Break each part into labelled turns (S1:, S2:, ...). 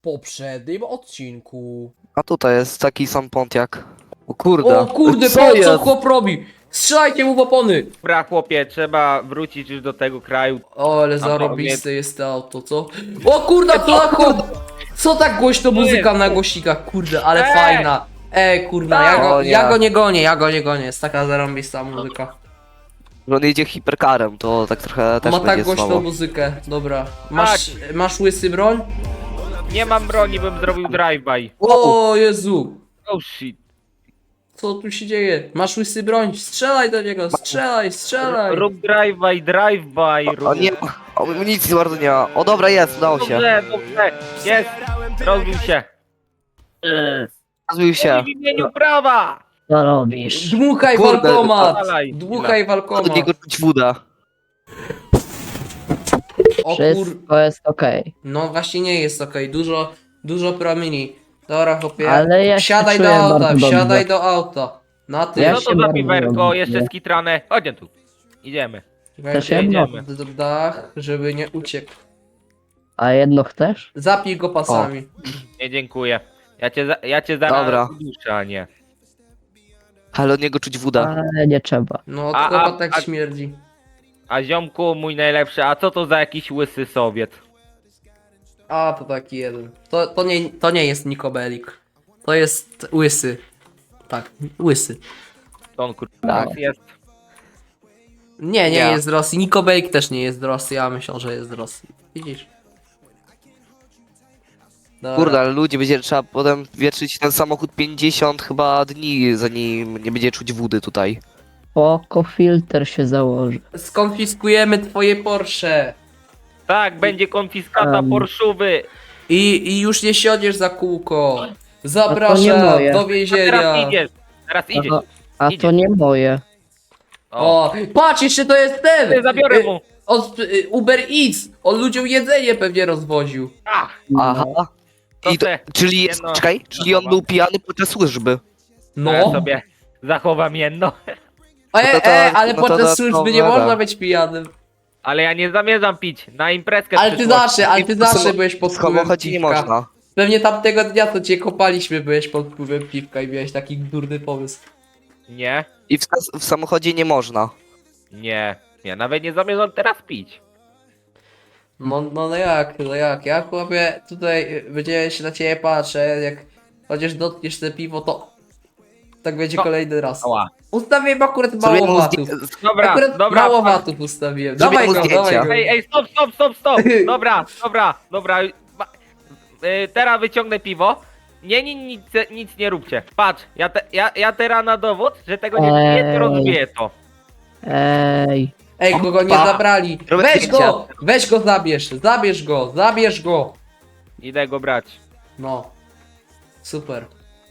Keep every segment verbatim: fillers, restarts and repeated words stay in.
S1: poprzednim odcinku.
S2: A tutaj jest taki sam Pontiak. O kurde.
S1: O kurde,
S2: co
S1: po co
S2: jest?
S1: chłop robi? Strzelajcie mu w opony!
S3: Dobra, chłopie, trzeba wrócić już do tego kraju.
S1: O, ale
S3: A
S1: zarobiste jest to auto, co? O kurde, co za chłop? Co tak głośno muzyka na głośnikach, kurde, ale
S3: Ej!
S1: fajna. Ej, kurna, ja go,
S2: O nie.
S1: ja go nie gonię, ja go nie gonię, jest taka zarąbista muzyka.
S2: Że on jedzie hiperkarem, to tak trochę też
S1: Ma tak
S2: będzie
S1: głośną
S2: słabo.
S1: muzykę, dobra. Masz, masz łysy broń?
S3: Nie mam broni, bym zrobił drive-by.
S1: O Jezu!
S3: Oh shit.
S1: Co tu się dzieje? Masz łysy broń? Strzelaj do niego, strzelaj, strzelaj!
S3: Rób drive-by, drive-by, rób.
S2: O nie, amunicji bardzo nie ma. O dobra, jest, udało się.
S3: Dobrze, dobrze, jest, rozbił się.
S2: Rozbił się.
S3: W imieniu prawa!
S4: Co robisz?
S1: Dmuchaj
S2: Kurde,
S1: walkomat!
S3: dalej.
S1: Dmuchaj
S2: Od
S1: walkomat!
S2: niego czuć woda.
S1: O kur...
S4: Wszystko jest okej.
S1: No właśnie nie jest okej, dużo, dużo promieni. Dobra chłopie,
S4: Ale ja się
S1: wsiadaj do
S4: czuję
S1: auta,
S4: bardzo dobrze.
S1: wsiadaj do auta. Na ty.
S4: Ja
S3: No
S4: się
S3: to za
S4: bardzo
S3: piwerko,
S4: lubię.
S3: jeszcze skitrane. Chodź tu. Idziemy.
S1: Weź
S4: Też jedno.
S3: Jedziemy.
S1: d- d- dach, żeby nie uciekł.
S4: A jedno chcesz?
S1: Zapij go pasami.
S3: Nie, dziękuję. Ja cię, za, ja cię zaraz
S2: Dobra.
S3: duszę, a nie.
S2: Ale od niego czuć woda.
S4: Ale nie trzeba.
S1: No
S3: A-
S1: chyba
S3: a-
S1: tak
S3: a-
S1: śmierdzi.
S3: A ziomku, mój najlepszy, a co to za jakiś łysy Sowiet?
S1: A, to taki jeden. To, to, nie, to nie jest Nikobelik. To jest łysy. Tak, łysy.
S3: To on kurwa
S4: Tak.
S3: jest.
S1: Nie, nie
S2: Ja.
S1: jest z Rosji. Nikobelik też nie jest z Rosji, ja myślę, że jest z Rosji. Widzisz? Dobra.
S2: Kurde, ale ludzie, będzie trzeba potem wietrzyć ten samochód pięćdziesiąt chyba dni, zanim nie będzie czuć wody tutaj.
S4: Spoko, filtr się założy.
S1: Skonfiskujemy twoje Porsche.
S3: Tak, będzie konfiskata
S4: Em.
S3: Porszuwy.
S1: I, I już nie siądziesz za kółko.
S4: A to nie
S1: Zapraszam
S4: moje.
S1: do
S3: A teraz
S1: więzienia.
S3: idziesz. Teraz idziesz.
S4: A, a
S3: Idzie.
S4: to nie moje.
S3: O.
S1: O, patrz, jeszcze to jest ten!
S3: Ty, zabiorę
S1: Y,
S3: mu.
S1: Od y, Uber Eats. On ludziom jedzenie pewnie rozwoził.
S3: Ach,
S2: Aha.
S3: to
S2: I to,
S3: te.
S2: czyli jest,
S3: jedno-
S2: czekaj, czyli on był pijany podczas służby.
S3: No.
S1: No.
S3: Ja sobie zachowam jedno.
S1: E,
S2: No to to-
S1: e, ale
S2: no to
S1: podczas
S2: to-
S1: służby
S2: to
S1: nie
S2: dobra.
S1: można być pijanym.
S3: Ale ja nie zamierzam pić. Na imprezkę
S1: Ale ty
S3: przyszłości.
S1: zawsze, ale ty
S2: I w samo-
S1: zawsze byłeś pod
S2: W
S1: wpływem
S2: samochodzie nie
S1: piwka.
S2: można.
S1: Pewnie tamtego dnia, co cię kopaliśmy, byłeś pod wpływem piwka i miałeś taki durny pomysł.
S3: Nie,
S2: I w, w samochodzie nie można.
S3: nie. Ja nawet nie zamierzam teraz pić.
S1: No, no, no jak, no jak, ja chłopie tutaj y, będzie się na ciebie patrzę, jak chociaż dotkniesz te piwo, to tak będzie
S3: No.
S1: kolejny raz.
S3: Ała.
S1: Ustawiłem akurat
S2: Zrobię
S1: mało
S2: mu
S1: watów.
S2: zdję-
S3: Dobra,
S1: Akurat
S3: dobra.
S1: mało
S3: pan-
S1: watów ustawiłem.
S2: Zrobię
S1: Dawaj
S2: mu
S1: go,
S2: zdjęcia.
S1: dawaj go.
S3: Ej, ej, stop, stop, stop, stop! Dobra, dobra, dobra. Ma- y, teraz wyciągnę piwo. Nie, nie, nic, nic nie róbcie. Patrz, ja, te, ja, ja teraz na dowód, że tego nie, nie, nie
S4: Ej.
S3: rozbiję to.
S4: Ej,
S1: Ej, kogo nie
S2: Opa.
S1: zabrali.
S2: Robię
S1: Weź
S2: zdjęcia.
S1: go, weź go zabierz, zabierz go, zabierz go.
S3: Idę go brać.
S1: No. Super.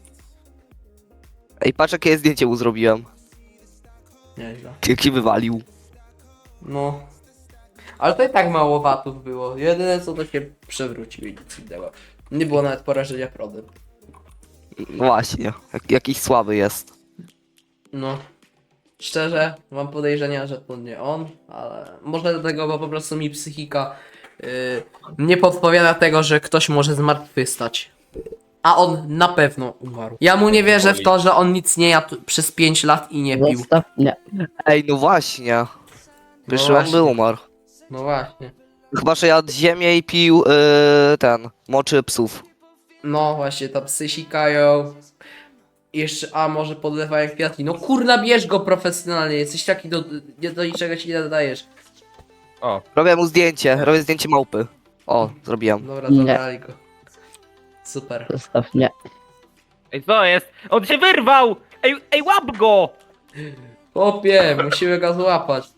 S2: Ej, patrz jakie zdjęcie mu zrobiłem.
S1: Nieźle.
S2: Jak się wywalił.
S1: No. Ale to i tak mało watów było. Jedyne co to się przewrócił i nic innego. Nie było nawet porażenia prądem.
S2: No właśnie, jak, jakiś słaby jest.
S1: No. Szczerze, mam podejrzenia, że to nie on, ale może dlatego, bo po prostu mi psychika yy, nie podpowiada tego, że ktoś może zmartwychwstać. A on na pewno umarł. Ja mu nie wierzę w to, że on nic nie jadł przez pięć lat i nie pił.
S4: zostaw mnie.
S2: Ej, no właśnie. Wiesz,
S1: No
S2: on by
S1: właśnie.
S2: umarł.
S1: No właśnie.
S2: Chyba, że jadł ziemię i pił yy, ten, moczy psów.
S1: No właśnie, tam psy sikają. Jeszcze, a może podlewają kwiatki. No kurna, bierz go profesjonalnie, jesteś taki do, nie, do niczego się nie nadajesz.
S3: O,
S2: Robię mu zdjęcie, robię zdjęcie małpy. O, zrobiłem.
S1: Dobra,
S4: Nie.
S1: zabrali go. Super.
S4: Zostaw mnie.
S3: ej, co jest? On się wyrwał! Ej, ej, łap go!
S1: Chłopie, musimy go złapać.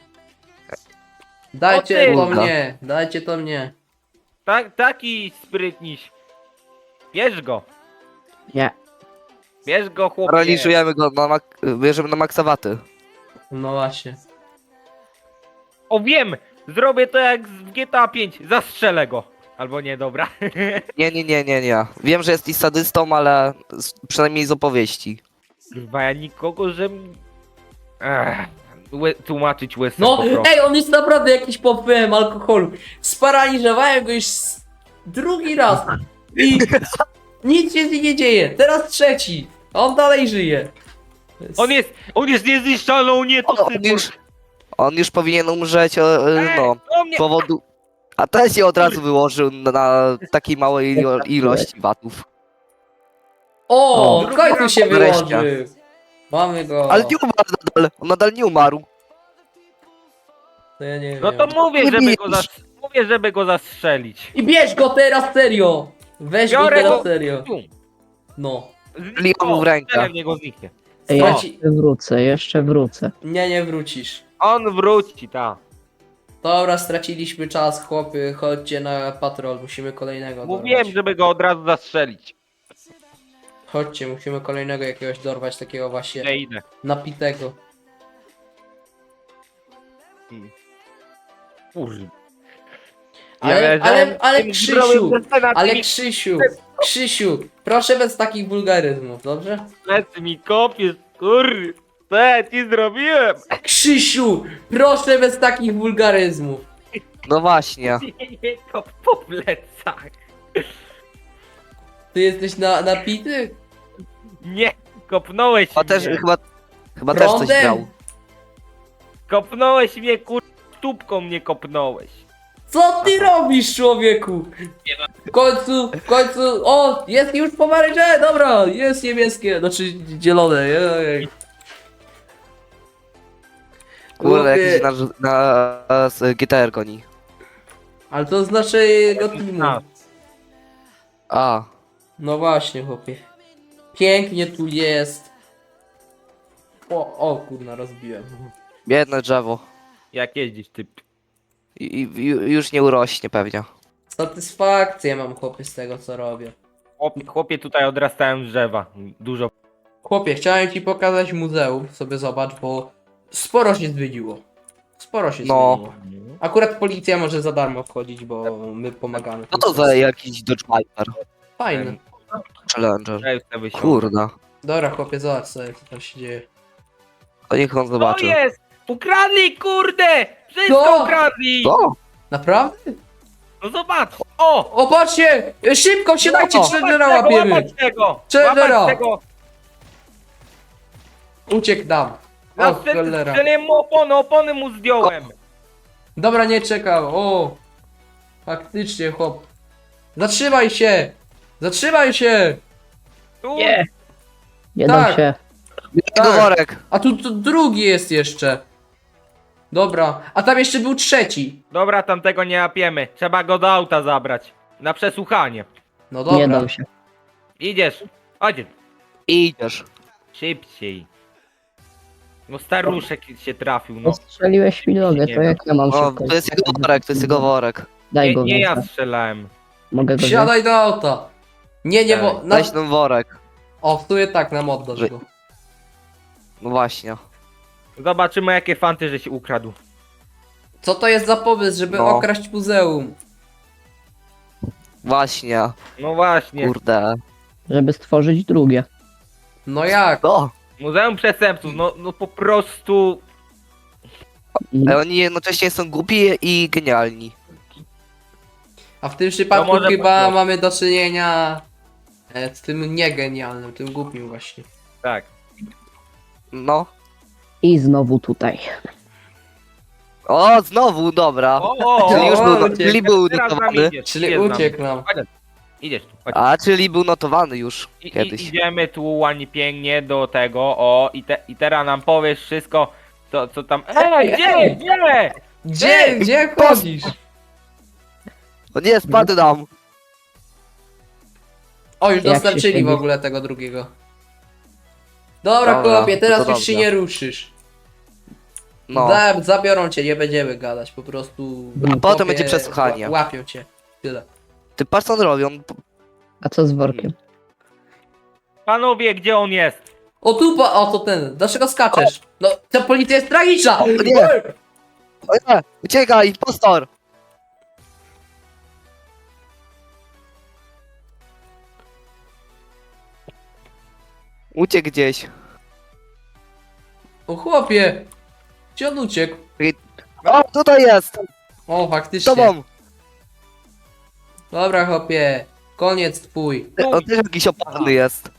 S1: Dajcie
S3: O
S1: to
S2: ty!
S1: mnie, dajcie to mnie.
S3: Tak, taki sprytniś. Bierz go.
S4: Nie.
S3: Bierz go, chłopie.
S2: Paraliżujemy go, na mak bierzemy na maksawaty.
S1: No właśnie.
S3: O, wiem! Zrobię to jak w G T A pięć. Zastrzelę go. Albo nie, dobra.
S2: Nie, nie, nie, nie, nie. Wiem, że jesteś sadystą, ale z, przynajmniej z opowieści.
S3: Chyba ja nikogo, że... Ech, łe, tłumaczyć łysem
S1: No,
S3: po prostu.
S1: ej, on jest naprawdę jakiś pod wpływem alkoholu. Sparaliżowałem go już s- drugi raz. I nic się z nim nie dzieje. Teraz trzeci. A on dalej żyje.
S3: On jest, on jest niezniszczalny, o nie, to
S2: On, on,
S3: cyborg.
S2: już, on już powinien umrzeć, o, e,
S3: Ej,
S2: no,
S3: o mnie.
S2: z powodu... A ten się od razu wyłożył na, na takiej małej ilo- ilości watów.
S1: O,
S4: O.
S1: w końcu się
S2: Wreszcie.
S1: wyłożył. Mamy go.
S2: Ale nie umarł nadal, on nadal nie umarł.
S1: To ja nie
S3: No
S1: wiem.
S3: to mówię,
S2: Nie
S3: żeby go,
S2: bijesz.
S3: zas... mówię, żeby go zastrzelić.
S1: I bierz go teraz serio. Weź go
S3: Biorę
S1: teraz
S3: go.
S1: serio.
S3: Tum.
S1: No.
S2: Liam mu w rękę.
S3: strzelę w niego zniknie.
S4: Ej,
S1: Co?
S4: jeszcze wrócę, jeszcze wrócę.
S1: Nie, nie wrócisz.
S3: On wróci, ta.
S1: Dobra, straciliśmy czas, chłopy. Chodźcie na patrol. Musimy kolejnego
S3: Mówiłem,
S1: dorwać.
S3: żeby go od razu zastrzelić.
S1: Chodźcie, musimy kolejnego jakiegoś dorwać, takiego właśnie
S3: Ja idę.
S1: napitego.
S3: Kurde.
S1: Ale, ale, ale
S3: tym
S1: Krzysiu,
S3: zdrowym zespenatem
S1: ale
S3: mi
S1: Krzysiu, Krzysiu, proszę bez takich wulgaryzmów, dobrze?
S3: plecy mi kopiesz, kurde. Co ja ci zrobiłem?
S1: Krzysiu, proszę bez takich wulgaryzmów.
S2: No właśnie.
S3: Nie kop po plecach.
S1: Ty jesteś na, napity?
S3: Nie, kopnąłeś
S2: Chyba też,
S3: mnie.
S2: chyba, chyba też coś
S1: Prądem?
S2: grał.
S3: Kopnąłeś mnie, kur... Stópką mnie kopnąłeś.
S1: Co ty robisz, człowieku? W końcu, w końcu, o, jest już pomarańcze, dobra, jest niebieskie, znaczy zielone, jej.
S2: Kurde,
S1: Chłopie,
S2: jakiś na, na, z G T R goni.
S1: ale to z naszego teamu.
S3: A.
S2: A,
S1: No właśnie, chłopie. Pięknie tu jest. O, o kurna, rozbiłem.
S2: biedne drzewo.
S3: Jak jeździsz, ty...
S2: I, i, ju- już nie urośnie pewnie.
S1: Satysfakcję mam, chłopie, z tego, co robię.
S3: Chłopie, chłopie tutaj odrastają drzewa. Dużo.
S1: Chłopie, chciałem ci pokazać muzeum, sobie zobacz, bo sporo się zwiedziło. Sporo się
S2: No.
S1: zmieniło. Akurat policja może za darmo wchodzić, bo my pomagamy.
S2: Co to za jakiś Dodge Viper?
S1: Fajne.
S2: Challenger.
S3: Ja już sobie wysiądę.
S2: Kurde.
S1: Dobra, chłopie, zobacz sobie, co tam się dzieje.
S2: To niech on
S3: Co
S2: zobaczy.
S3: jest? Ukradli, kurde! Wszystko
S1: Co?
S3: ukradli!
S2: Co?
S1: Naprawdę?
S3: No zobacz! O!
S1: O, patrzcie! Szybko, wsiadajcie,
S2: No.
S1: Challengera
S3: Łapać tego,
S1: łapiemy!
S3: łapać tego!
S1: Challengera!
S3: Łapać tego!
S1: Uciekł nam.
S3: Na
S1: O, cholera.
S3: strzeliłem mu opony, opony mu zdjąłem!
S1: Dobra, nie czekał. O! Faktycznie, chłop. Zatrzymaj się! Zatrzymaj się!
S3: Tu!
S4: Nie! Nie
S1: Tak.
S4: dam się.
S2: Jego
S1: Tak.
S2: worek.
S1: A tu, tu drugi jest jeszcze. Dobra, a tam jeszcze był trzeci.
S3: Dobra, tamtego nie łapiemy. Trzeba go do auta zabrać. Na przesłuchanie.
S1: No
S4: Nie
S1: dobra.
S4: dam się.
S3: Idziesz. Chodź.
S2: Idziesz.
S3: Szybciej. No staruszek się trafił, no.
S4: Postrzeliłeś mi nogę, to jak ja mam
S2: No,
S4: szybko?
S2: to jest jego worek, to jest jego worek.
S4: Daj
S3: Nie,
S4: go
S3: nie ja
S4: wezmę.
S3: strzelałem.
S4: Mogę go wziąć?
S1: Wsiadaj do auta. Nie, nie, bo... Na...
S2: Weź ten worek.
S1: O, w sumie tak, nam oddasz
S2: Wy-
S1: go.
S2: No właśnie.
S3: Zobaczymy jakie fanty, że się ukradł.
S1: Co to jest za pomysł, żeby
S2: No.
S1: okraść muzeum?
S2: Właśnie.
S3: No właśnie.
S2: Kurde.
S4: Żeby stworzyć drugie.
S1: No jak?
S2: No.
S3: Muzeum Przestępców, no, no po prostu...
S2: Ale oni jednocześnie są głupi i genialni.
S1: A w tym przypadku
S3: może
S1: chyba
S3: po-
S1: mamy do czynienia e, z tym niegenialnym, tym głupim właśnie.
S3: Tak.
S2: No.
S4: I znowu tutaj.
S2: O, znowu, dobra.
S3: O, o,
S2: Czyli już
S1: o,
S2: był,
S1: uciekł.
S2: czyli był
S3: Teraz z nami
S2: notowany.
S3: idziesz,
S1: Czyli
S3: idziesz z nami.
S1: uciekł nam.
S3: Idziesz tu, chodź.
S2: A, czyli był notowany już
S3: I, i,
S2: kiedyś.
S3: idziemy tu ładnie, pięknie do tego, o, i, te, i teraz nam powiesz wszystko, co, co tam... Ej, gdzie, gdzie?
S1: Gdzie, gdzie chodzisz?
S2: O nie, spadł nam.
S1: O, już
S4: Jak się
S1: dostarczyli w
S4: siedzi?
S1: ogóle tego drugiego. Dobra,
S2: Dobra,
S1: chłopie, teraz
S2: to
S1: już
S2: dobrze.
S1: się nie ruszysz.
S2: No.
S1: Da, zabiorą cię, nie będziemy gadać, po prostu...
S4: A
S2: potem
S1: chłopie,
S2: będzie przesłuchanie.
S1: ła- Łapią cię. Tyle.
S2: Ty patrz co on robią.
S4: A co z workiem?
S3: Panowie, gdzie on jest?
S1: O tu, pa, o to ten, dlaczego skaczesz? No, ta policja jest tragiczna!
S2: O nie! O nie! Uciekaj, impostor! Uciekł gdzieś.
S1: O chłopie! Gdzie on uciekł?
S2: O, tutaj jest!
S1: O,
S2: Z
S1: faktycznie.
S2: tobą!
S1: Dobra, chłopie. Koniec twój.
S2: On też jakiś opalny jest.